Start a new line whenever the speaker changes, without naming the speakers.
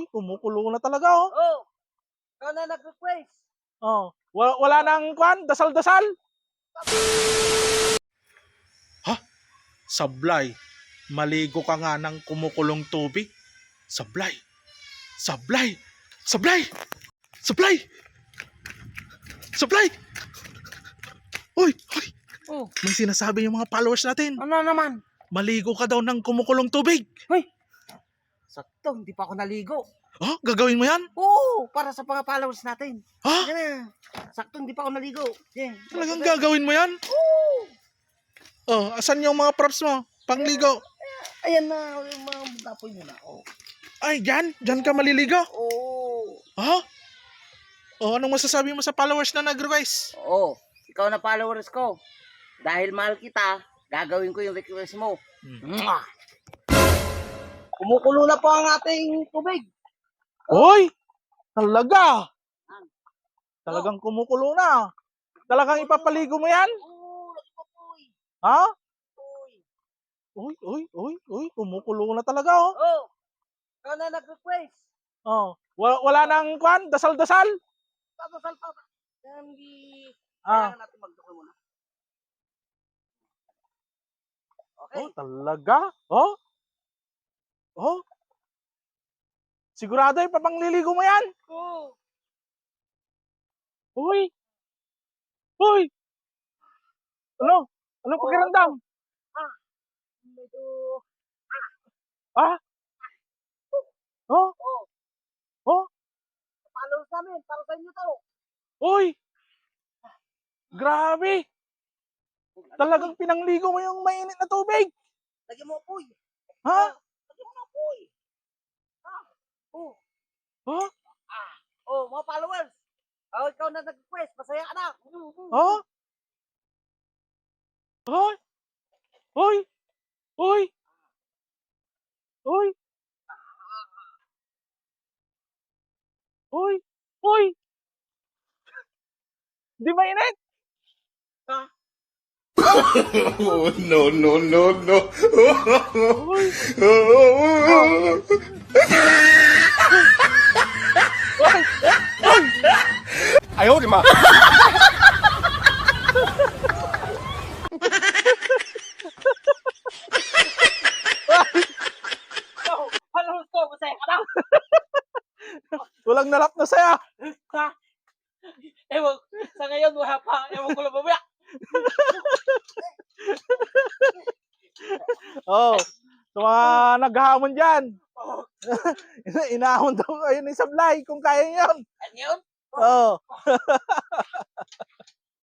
Uy, kumukulo na talaga, oh.
Oh, ikaw na nag-request.
Oh, wala nang kwan, dasal-dasal. Ha? Sablay. Maligo ka nga ng kumukulong tubig. Sablay. Sablay. Sablay. Sablay. Sablay. Uy, uy.
Oh,
May sinasabi yung mga followers natin.
ano naman?
Maligo ka daw ng kumukulong tubig.
Hoy, sakto, hindi pa ako naligo.
Oh, gagawin mo yan?
Oo, para sa mga followers natin.
Ha?
Sige na. Sakto, hindi pa ako naligo. Yeah.
Talagang gagawin mo yan?
Oo.
Oh, asan yung mga props mo? Pangligo.
Ayan na, yung mga gapoy mo na. Oh.
Ay, dyan? Dyan ka maliligo?
Oo.
Ha? Oh, anong masasabi mo sa followers na nag-request?
Oo. Ikaw na followers ko. Dahil mahal kita, gagawin ko yung request mo. Mwah! Kumukulo na po ang ating tubig.
Hoy! Talaga! Talagang kumukulo na. Talagang ipapaligo mo yan?
Oo, nagpapoy.
Ha?
Uy.
Uy, kumukulo na talaga, oh.
Oh, ikaw na nag-request.
Oh, wala nang kwan, dasal-dasal.
Papasal pa ba? Hindi.
Ah,
Kailangan natin magdukol muna. Okay.
oh, talaga? Oh? Oh? Sigurado ipapangliligo mo yan?
Oo.
Uy! Uy! Ano? Anong pakiramdam?
Medyo...
Ah? Oh?
Oh,
Oh?
followers namin. Para sa inyo to.
Uy! Grabe! Talagang pinangligo mo yung mainit na tubig.
Lagyan mo apoy.
Ha?
Lagyan mo apoy. Ah. Oh.
Oh?
Oh, mga followers. Oh, ikaw na nag-request. Masaya ka na.
Oh? Hoy! Hoy! Hoy! Hoy! Hoy! Hoy! Di mainit?
Oh, no, no, no, no.
Hoy!
哎呦我的妈！
Followers ko, masaya ka na.
Walang narap na saya.
Ha? Ewan, sa ngayon wala pa. Ewan ko lang mamaya.
Oh, sa mga naghahamon dyan.
Oh,
Inahon daw kayo ni Sablay kung kaya yun.
ano yun?
Oh.